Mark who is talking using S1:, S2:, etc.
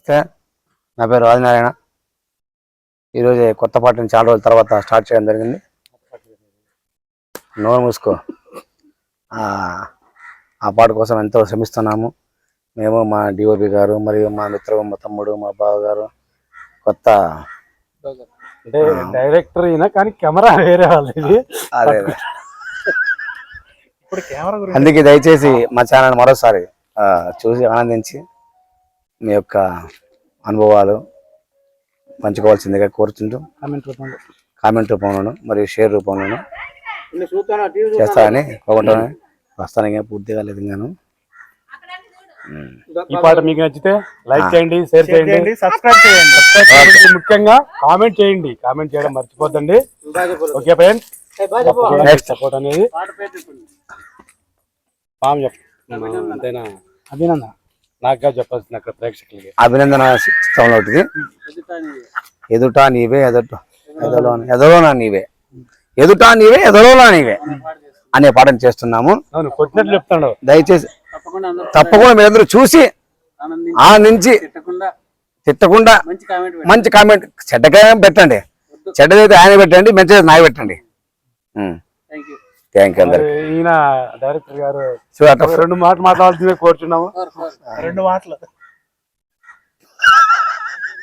S1: నమస్తే, నా పేరు రాజనారాయణ. ఈరోజు కొత్త పాటని చాలా రోజుల తర్వాత స్టార్ట్ చేయడం జరిగింది. నోరు మూసుకో. ఆ పాట కోసం ఎంతో శ్రమిస్తున్నాము మేము, మా డిఓపి గారు, మరియు మా మిత్రుడు, మా తమ్ముడు, మా బావ గారు. కొత్త
S2: అంటే డైరెక్టర్ అయినా కానీ కెమెరా వేరే వాళ్ళది.
S1: అందుకే దయచేసి మా ఛానల్ మరోసారి చూసి ఆనందించి మీ యొక్క అనుభవాలు పంచుకోవాల్సిందిగా కోరుతుంటూ కామెంట్ రూపంలోను మరియు షేర్ రూపంలోను చేస్తారని కోరుకుంటాను. ప్రస్తుతానికి పూర్తిగా లేదు. నేను
S2: ఈ పాట మీకు నచ్చితే లైక్ చేయండి, షేర్ చేయండి, సబ్స్క్రైబ్ చేయండి. ముఖ్యంగా కామెంట్ చేయండి. కామెంట్ చేయడం మర్చిపోద్దండి. ఓకే ఫ్రెండ్స్, నెక్స్ట్ సపోర్ట్ అనేది అంతేనా? అభినందన నాకుగా చెప్పాల్సింది అక్కడ ప్రేక్షకులకి.
S1: అభినందన చిత్రంలో ఒకటి ఎదుట నీవే ఎదలోనా నీవే, ఎదుట నీవే ఎదలోనా నీవే అనే పాటను చేస్తున్నాము.
S2: కొట్టినట్లు చెప్తాడు.
S1: దయచేసి తప్పకుండా మీరందరూ చూసి ఆనందించి తిట్టకుండా మంచి కామెంట్, చెడ్డగా పెట్టండి. చెడ్డదైతే ఆయన పెట్టండి, మంచిదైతే నాకు పెట్టండి. థ్యాంక్ యూ అందరికి.
S2: ఈయన డైరెక్టర్ గారు 2 మాటలు మాట్లాడాల్సిందే కోరుచున్నాము. 2 మాటలు.